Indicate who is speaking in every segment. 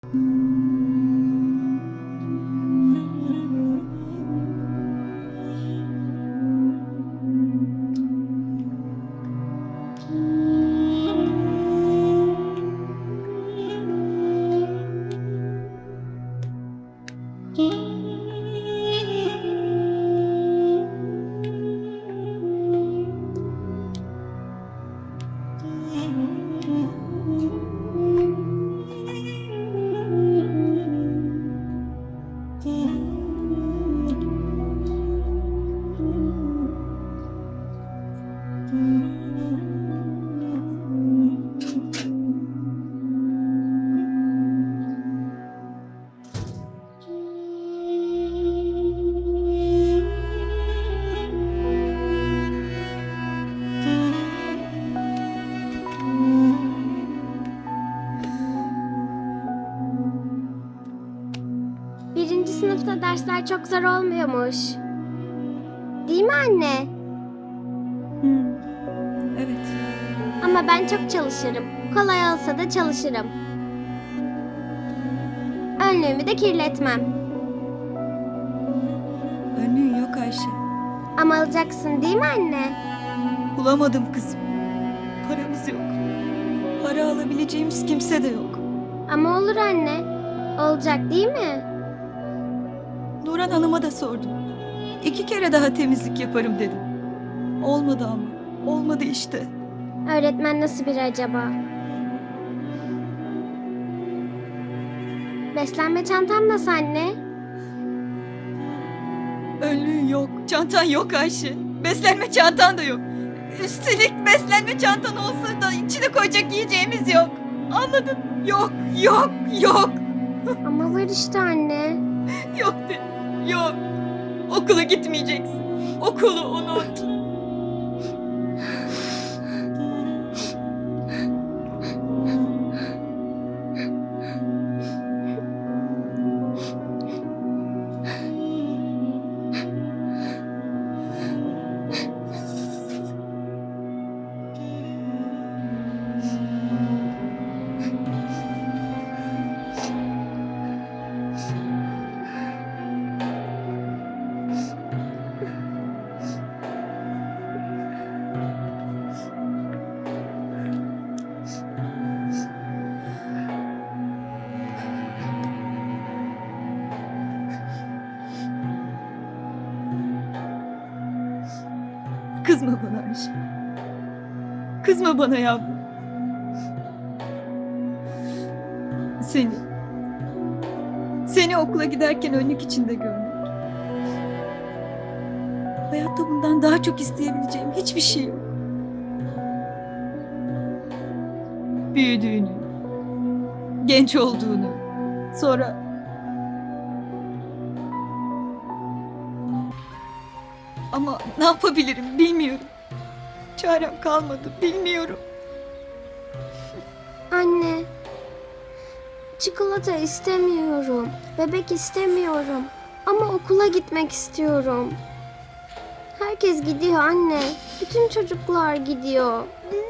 Speaker 1: Birinci sınıfta dersler çok zor olmuyormuş. Değil mi anne?
Speaker 2: Evet.
Speaker 1: Ama ben çok çalışırım. Kolay olsa da çalışırım. Önlüğümü de kirletmem.
Speaker 2: Önlüğün yok Ayşe.
Speaker 1: Ama alacaksın değil mi anne?
Speaker 2: Bulamadım kızım. Paramız yok. Para alabileceğimiz kimse de yok.
Speaker 1: Ama olur anne. Olacak değil mi?
Speaker 2: Nurhan Hanım'a da sordum. 2 kere daha temizlik yaparım dedim. Olmadı ama. Olmadı işte.
Speaker 1: Öğretmen nasıl biri acaba? Beslenme çantam nasıl anne?
Speaker 2: Önlüğün yok. Çantan yok Ayşe. Beslenme çantan da yok. Üstelik beslenme çantan olsa da içine koyacak yiyeceğimiz yok. Anladın? Yok, yok, yok.
Speaker 1: Ama var işte anne.
Speaker 2: Yok dedim. Yok. Okula gitmeyeceksin. Okulu unut. Kızma bana Ayşe. Kızma bana yavrum. Seni okula giderken önlük içinde görmek. Hayatta bundan daha çok isteyebileceğim hiçbir şey yok. Büyüdüğünü, genç olduğunu, sonra ama ne yapabilirim bilmiyorum. Çarem kalmadı, bilmiyorum.
Speaker 1: Anne. Çikolata istemiyorum. Bebek istemiyorum. Ama okula gitmek istiyorum. Herkes gidiyor anne. Bütün çocuklar gidiyor.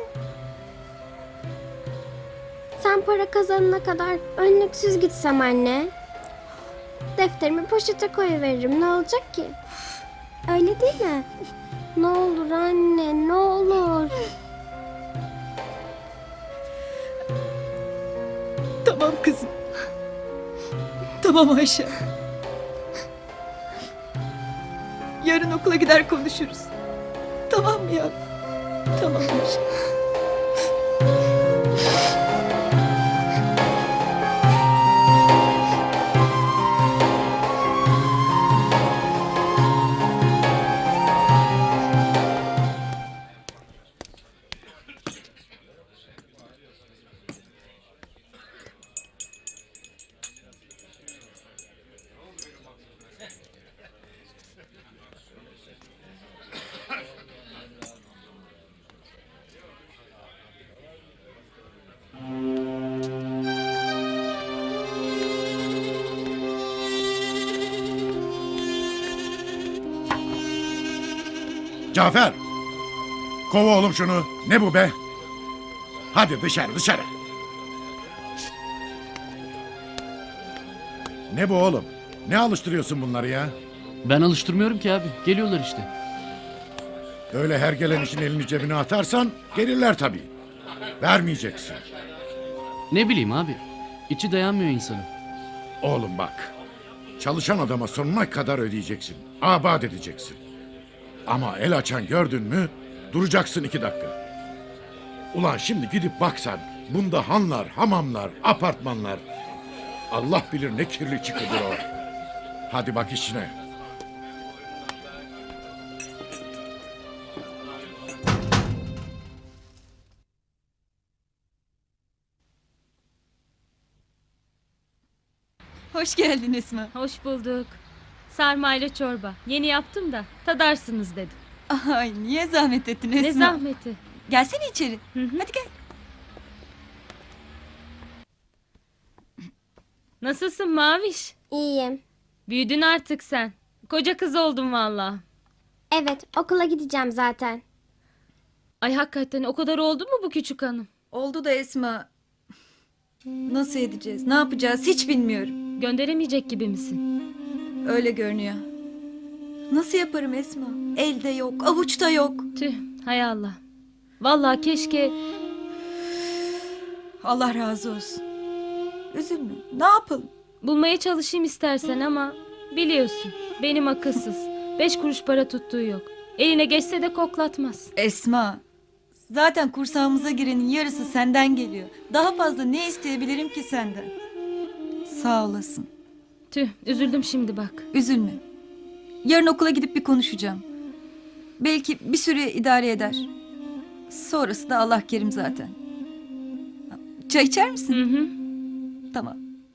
Speaker 1: Sen para kazanana kadar önlüksüz gitsem anne. Defterimi poşete koyuveririm. Ne olacak ki? Öyle değil mi? Ne olur anne, ne olur.
Speaker 2: Tamam kızım. Tamam Ayşe. Yarın okula gider konuşuruz. Tamam mı ya? Tamam Ayşe.
Speaker 3: Cafer! Kova oğlum şunu. Ne bu be? Hadi dışarı dışarı. Ne bu oğlum? Ne alıştırıyorsun bunları ya?
Speaker 4: Ben alıştırmıyorum ki abi. Geliyorlar işte.
Speaker 3: Öyle her gelen işin elini cebine atarsan gelirler tabii. Vermeyeceksin.
Speaker 4: Ne bileyim abi. İçi dayanmıyor insanın.
Speaker 3: Oğlum bak. Çalışan adama sonuna kadar ödeyeceksin. Abad edeceksin. Ama el açan gördün mü duracaksın 2 dakika. Ulan şimdi gidip baksan bunda hanlar, hamamlar, apartmanlar. Allah bilir ne kirli çıkıdır o. Hadi bak işine.
Speaker 2: Hoş geldin Esma.
Speaker 5: Hoş bulduk. Sarmayla çorba. Yeni yaptım da tadarsınız dedim.
Speaker 2: Ay niye zahmet ettin Esma?
Speaker 5: Ne zahmeti.
Speaker 2: Gelsene içeri.
Speaker 5: Hı.
Speaker 2: Hadi gel.
Speaker 5: Nasılsın Maviş?
Speaker 1: İyiyim.
Speaker 5: Büyüdün artık sen. Koca kız oldun valla.
Speaker 1: Evet, okula gideceğim zaten.
Speaker 5: Ay hakikaten o kadar oldu mu bu küçük hanım?
Speaker 2: Oldu da Esma. Nasıl edeceğiz? Ne yapacağız? Hiç bilmiyorum.
Speaker 5: Gönderemeyecek gibi misin?
Speaker 2: Öyle görünüyor. Nasıl yaparım Esma? Elde yok, avuçta yok.
Speaker 5: Tüh hay Allah. Valla keşke...
Speaker 2: Allah razı olsun. Üzülme. Ne yapalım?
Speaker 5: Bulmaya çalışayım istersen ama... Biliyorsun benim akılsız. 5 kuruş para tuttuğu yok. Eline geçse de koklatmaz.
Speaker 2: Esma. Zaten kursağımıza girenin yarısı senden geliyor. Daha fazla ne isteyebilirim ki senden? Sağ olasın.
Speaker 5: Tüh üzüldüm şimdi bak.
Speaker 2: Üzülme. Yarın okula gidip bir konuşacağım. Belki bir süre idare eder. Sonrası da Allah kerim zaten. Çay içer misin?
Speaker 5: Hı hı.
Speaker 2: Tamam.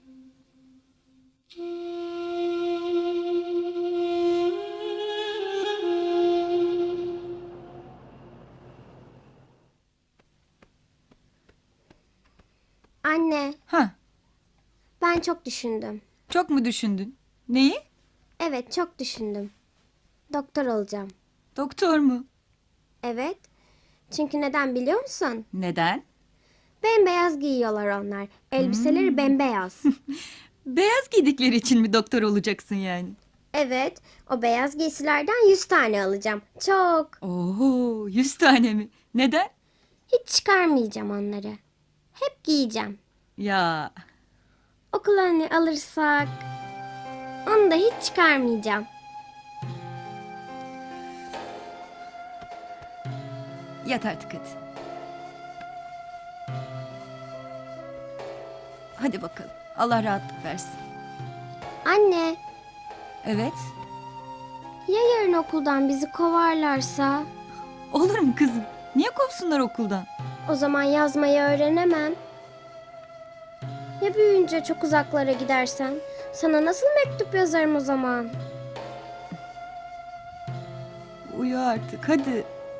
Speaker 1: Anne,
Speaker 2: Ha,
Speaker 1: ben çok düşündüm.
Speaker 2: çok mu düşündün? Neyi?
Speaker 1: Evet, çok düşündüm. Doktor olacağım.
Speaker 2: Doktor mu?
Speaker 1: Evet. Çünkü neden biliyor musun?
Speaker 2: Neden?
Speaker 1: Bembeyaz giyiyorlar onlar. Elbiseleri bembeyaz.
Speaker 2: Beyaz giydikleri için mi doktor olacaksın yani?
Speaker 1: Evet, o beyaz giysilerden 100 tane alacağım. Çok.
Speaker 2: Oo, 100 tane mi? Neden?
Speaker 1: Hiç çıkarmayacağım onları. Hep giyeceğim.
Speaker 2: Ya,
Speaker 1: Okula hani alırsak... Onu da hiç çıkarmayacağım.
Speaker 2: yat artık hadi. Hadi bakalım. Allah rahatlık versin.
Speaker 1: Anne,
Speaker 2: Evet.
Speaker 1: ya yarın okuldan bizi kovarlarsa?
Speaker 2: Olur mu kızım? Niye kovsunlar okuldan?
Speaker 1: O zaman yazmayı öğrenemem. Ya büyüyünce çok uzaklara gidersen? Sana nasıl mektup yazarım o zaman?
Speaker 2: Uyu artık hadi.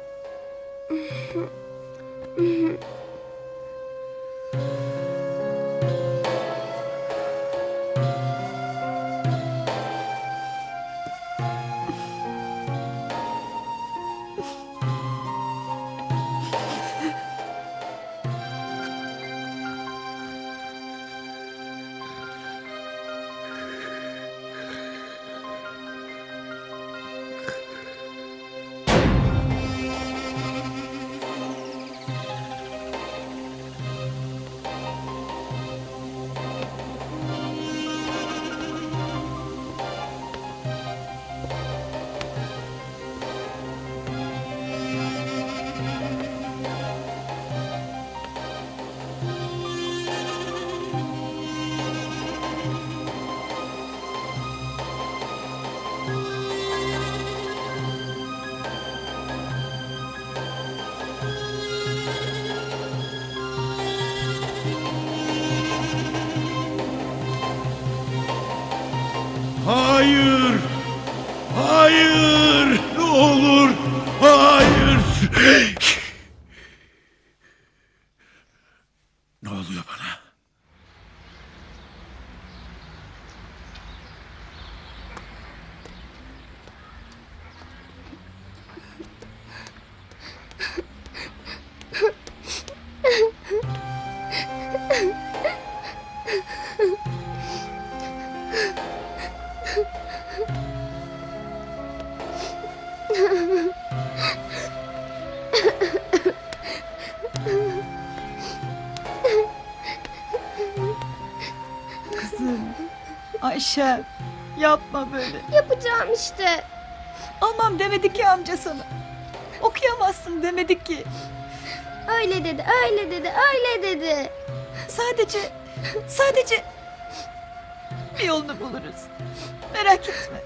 Speaker 3: Hayır! Hayır! Ne olur! Hayır! Ne oluyor bana?
Speaker 2: kızım. Ayşe yapma böyle.
Speaker 1: Yapacağım işte.
Speaker 2: Almam demedi ki amca sana. Okuyamazsın demedi ki.
Speaker 1: Öyle dedi, öyle dedi, öyle dedi.
Speaker 2: Sadece bir yolunu buluruz. Merak etme.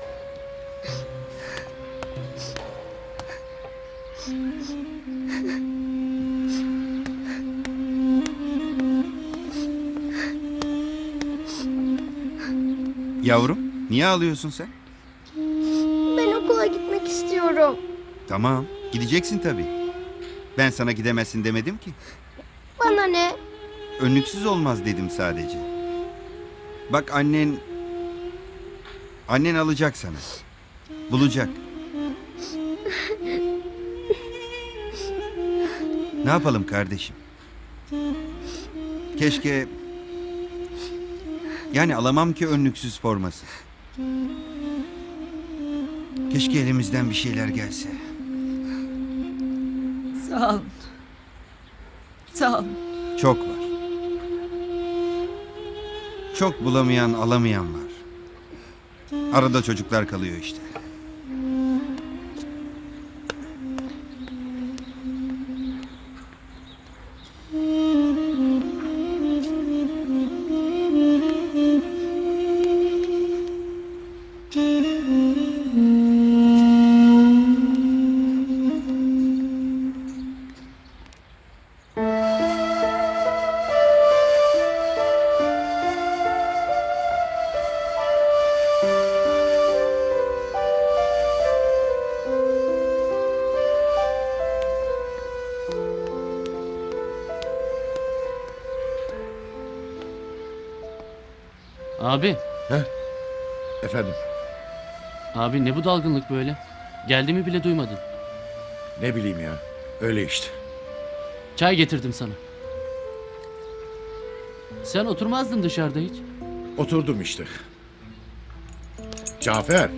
Speaker 6: Yavrum, niye ağlıyorsun sen?
Speaker 1: Ben okula gitmek istiyorum.
Speaker 6: Tamam, gideceksin tabii. Ben sana gidemezsin demedim ki.
Speaker 1: Bana ne?
Speaker 6: Önlüksüz olmaz dedim sadece. Bak annen alacak sana. Bulacak. Ne yapalım kardeşim? Keşke... Yani alamam ki önlüksüz forması. Keşke elimizden bir şeyler gelse.
Speaker 2: Sağ olun. Sağ olun.
Speaker 6: Çok var. Çok bulamayan, alamayan var. Arada çocuklar kalıyor işte.
Speaker 4: Abi,
Speaker 3: Efendim,
Speaker 4: abi ne bu dalgınlık böyle? Geldiğimi bile duymadın.
Speaker 3: ne bileyim ya. Öyle işte.
Speaker 4: Çay getirdim sana. Sen oturmazdın dışarıda hiç.
Speaker 3: Oturdum işte. Cafer.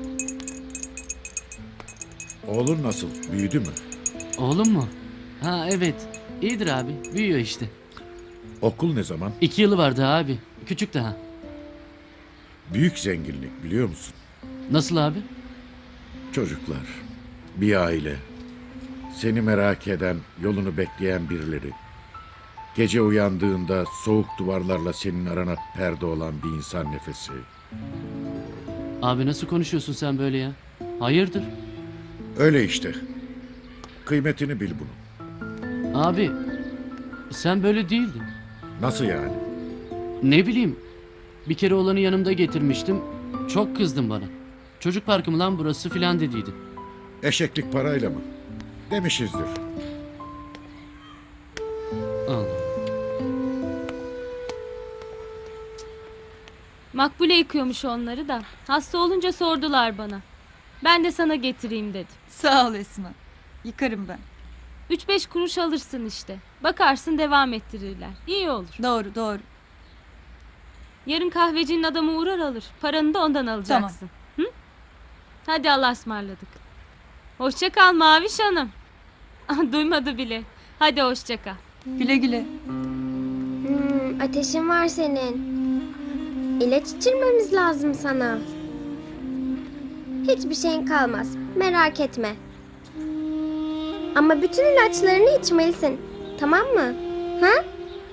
Speaker 3: Oğlun nasıl? Büyüdü mü?
Speaker 4: Oğlum mu? Ha evet. İyidir abi. Büyüyor işte.
Speaker 3: Okul ne zaman?
Speaker 4: 2 yılı vardı abi. Küçük daha.
Speaker 3: Büyük zenginlik biliyor musun?
Speaker 4: Nasıl abi?
Speaker 3: Çocuklar, bir aile, seni merak eden, yolunu bekleyen birileri. Gece uyandığında soğuk duvarlarla senin arana perde olan bir insan nefesi.
Speaker 4: Abi nasıl konuşuyorsun sen böyle ya? Hayırdır?
Speaker 3: Öyle işte. Kıymetini bil bunun.
Speaker 4: Abi sen böyle değildin.
Speaker 3: Nasıl yani?
Speaker 4: Ne bileyim. Bir kere oğlanı yanımda getirmiştim. Çok kızdın bana. Çocuk parkı mı lan burası filan dediydi.
Speaker 3: Eşeklik parayla mı? Demişizdir.
Speaker 4: Allah.
Speaker 5: Makbule yıkıyormuş onları da. Hasta olunca sordular bana. Ben de sana getireyim dedim.
Speaker 2: Sağ ol Esma. Yıkarım ben.
Speaker 5: 3-5 kuruş alırsın işte. Bakarsın devam ettirirler. İyi olur.
Speaker 2: Doğru doğru.
Speaker 5: Yarın kahvecinin adamı uğrar alır. Paranı da ondan alacaksın. Hı? Hadi Allah'a ısmarladık. Hoşça kal Maviş Hanım. Duymadı bile. Hadi hoşça kal.
Speaker 2: Güle güle.
Speaker 1: Ateşin var senin. İlaç içirmemiz lazım sana. Hiçbir şeyin kalmaz. Merak etme. Ama bütün ilaçlarını içmelisin. Tamam mı? Ha?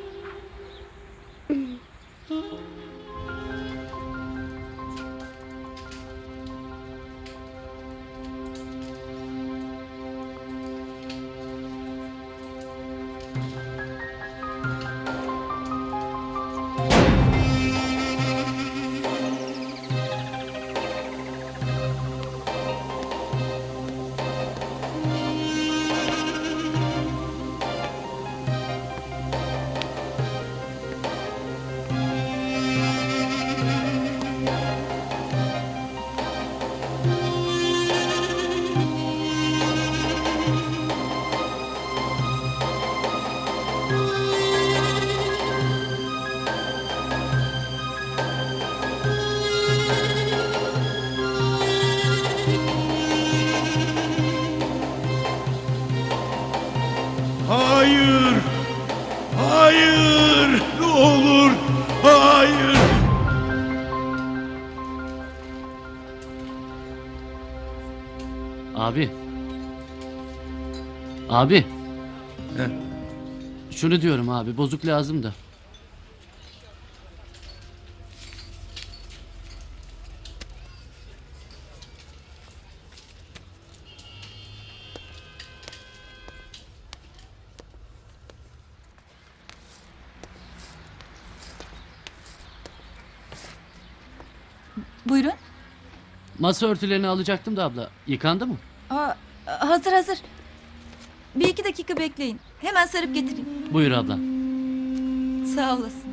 Speaker 3: Hayır! Hayır! Ne olur! Hayır!
Speaker 4: Abi. Abi.
Speaker 6: He.
Speaker 4: Şunu diyorum abi, bozuk lazım da.
Speaker 7: Buyurun.
Speaker 4: Masa örtülerini alacaktım da abla. Yıkandı mı?
Speaker 7: Aa, hazır hazır. Bir iki dakika bekleyin. Hemen sarıp getireyim.
Speaker 4: Buyur abla.
Speaker 7: Sağ olasın.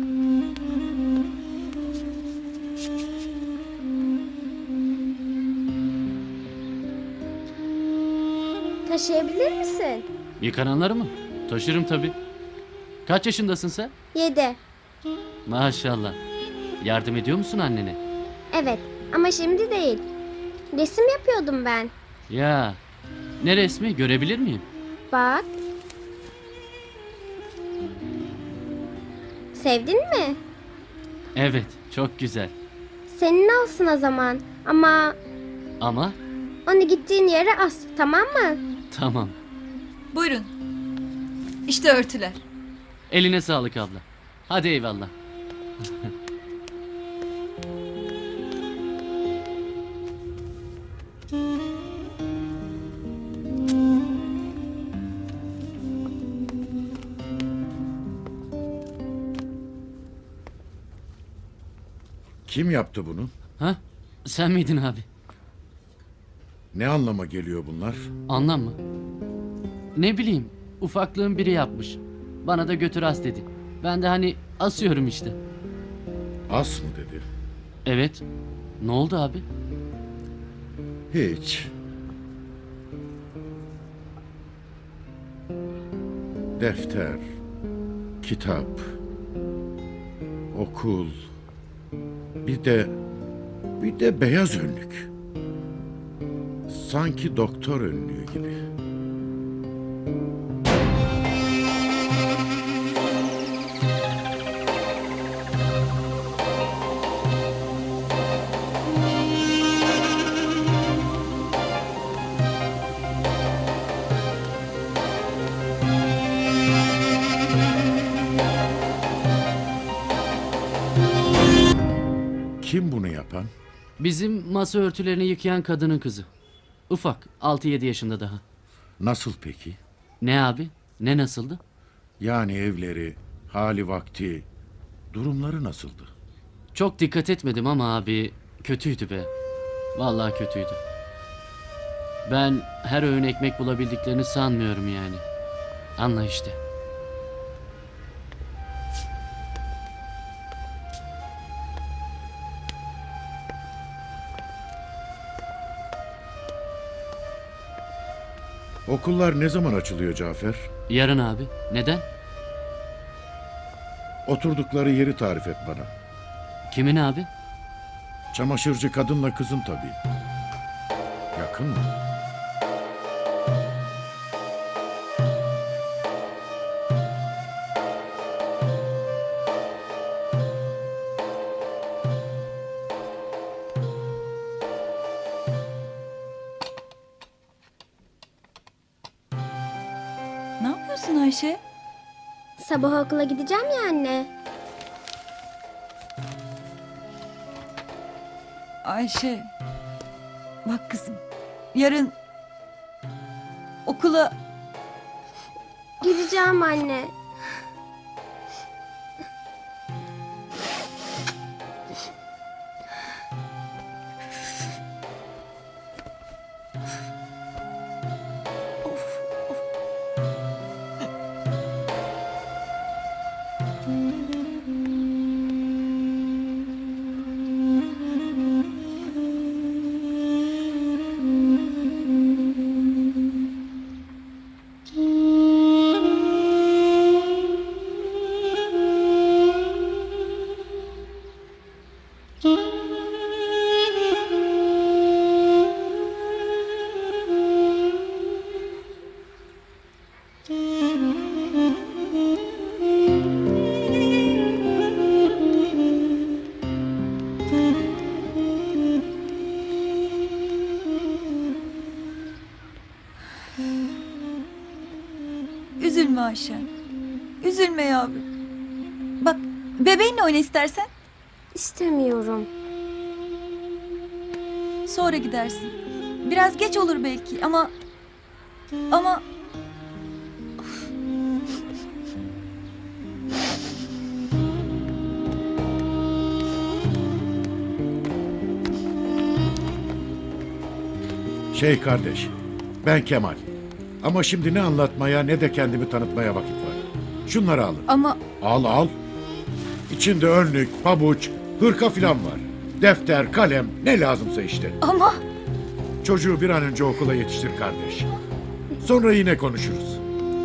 Speaker 1: Taşıyabilir misin?
Speaker 4: Yıkananları mı? Taşırım tabii. Kaç yaşındasın sen?
Speaker 1: 7.
Speaker 4: Maşallah. Yardım ediyor musun annene?
Speaker 1: Evet ama şimdi değil. Resim yapıyordum ben.
Speaker 4: Ya. Ne resmi? Görebilir miyim?
Speaker 1: Bak. Sevdin mi?
Speaker 4: Evet. Çok güzel.
Speaker 1: Senin olsun o zaman. Ama
Speaker 4: Ama
Speaker 1: onu gittiğin yere as, tamam mı?
Speaker 4: tamam.
Speaker 7: Buyurun. İşte örtüler.
Speaker 4: Eline sağlık abla. Hadi eyvallah.
Speaker 3: Kim yaptı bunu?
Speaker 4: Ha? Sen miydin abi?
Speaker 3: Ne anlama geliyor bunlar?
Speaker 4: Anlam mı? Ne bileyim. Ufaklığın biri yapmış. Bana da götür as dedi. Ben de hani asıyorum işte.
Speaker 3: As mı dedi?
Speaker 4: Evet. Ne oldu abi?
Speaker 3: Hiç. Defter, kitap, okul, bir de beyaz önlük. Sanki doktor önlüğü gibi. Kim bunu yapan?
Speaker 4: Bizim masa örtülerini yıkayan kadının kızı. Ufak. 6-7 yaşında daha.
Speaker 3: Nasıl peki?
Speaker 4: Ne abi? Ne nasıldı?
Speaker 3: Yani evleri, hali vakti, durumları nasıldı?
Speaker 4: Çok dikkat etmedim ama abi kötüydü be. Vallahi kötüydü. Ben her öğün ekmek bulabildiklerini sanmıyorum yani. Anla işte.
Speaker 3: Okullar ne zaman açılıyor Cafer?
Speaker 4: Yarın abi. Neden?
Speaker 3: Oturdukları yeri tarif et bana.
Speaker 4: Kimin abi?
Speaker 3: Çamaşırcı kadınla kızın tabii. Yakın mı?
Speaker 7: Ne yapıyorsun Ayşe?
Speaker 1: Sabah okula gideceğim ya anne.
Speaker 7: Ayşe. Bak kızım. Yarın okula
Speaker 1: Gideceğim anne.
Speaker 7: Üzülme Ayşen. Üzülme yavrum. Bak bebeğinle oyna istersen.
Speaker 1: İstemiyorum.
Speaker 7: Sonra gidersin. Biraz geç olur belki ama... Ama...
Speaker 3: Kardeş, ben Kemal. Ama şimdi ne anlatmaya ne de kendimi tanıtmaya vakit var. Şunları alın.
Speaker 7: Ama...
Speaker 3: Al al. İçinde önlük, pabuç, hırka filan var. Defter, kalem, ne lazımsa işte.
Speaker 7: Ama...
Speaker 3: Çocuğu bir an önce okula yetiştir kardeş. Sonra yine konuşuruz.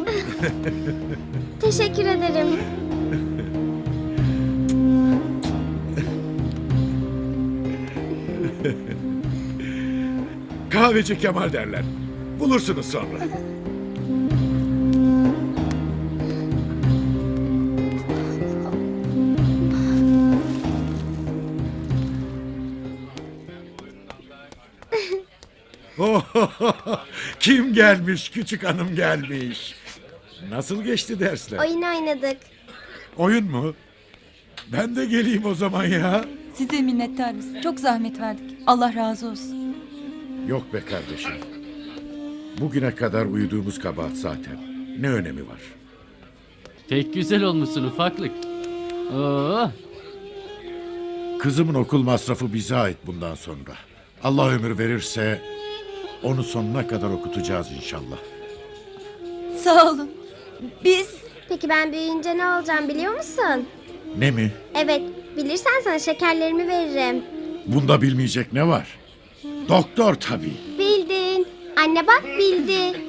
Speaker 1: Teşekkür ederim.
Speaker 3: Kahveci Kemal derler. Bulursunuz sonra. Kim gelmiş? Küçük hanım gelmiş. Nasıl geçti dersler?
Speaker 1: Oyun oynadık.
Speaker 3: Oyun mu? Ben de geleyim o zaman ya.
Speaker 7: Size minnettarız. Çok zahmet verdik. Allah razı olsun.
Speaker 3: Yok be kardeşim. Bugüne kadar uyuduğumuz kabahat zaten. Ne önemi var?
Speaker 4: Pek güzel olmuşsun ufaklık. Oo,
Speaker 3: Kızımın okul masrafı bize ait bundan sonra. Allah ömür verirse onu sonuna kadar okutacağız inşallah.
Speaker 7: Sağ olun. Biz...
Speaker 1: Peki ben büyüyünce ne olacağım biliyor musun?
Speaker 3: Ne mi?
Speaker 1: Evet, bilirsen sana şekerlerimi veririm.
Speaker 3: Bunda bilmeyecek ne var? Doktor tabii.
Speaker 1: Bildin. Anne bak bildi.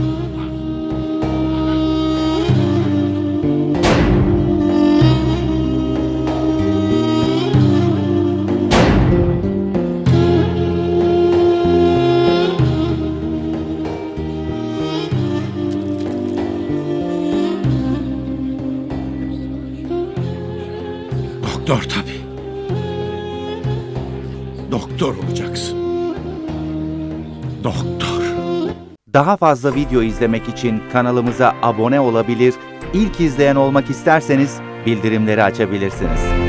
Speaker 3: Doktor tabii. Doktor olacaksın. Doktor.
Speaker 8: Daha fazla video izlemek için kanalımıza abone olabilir, ilk izleyen olmak isterseniz bildirimleri açabilirsiniz.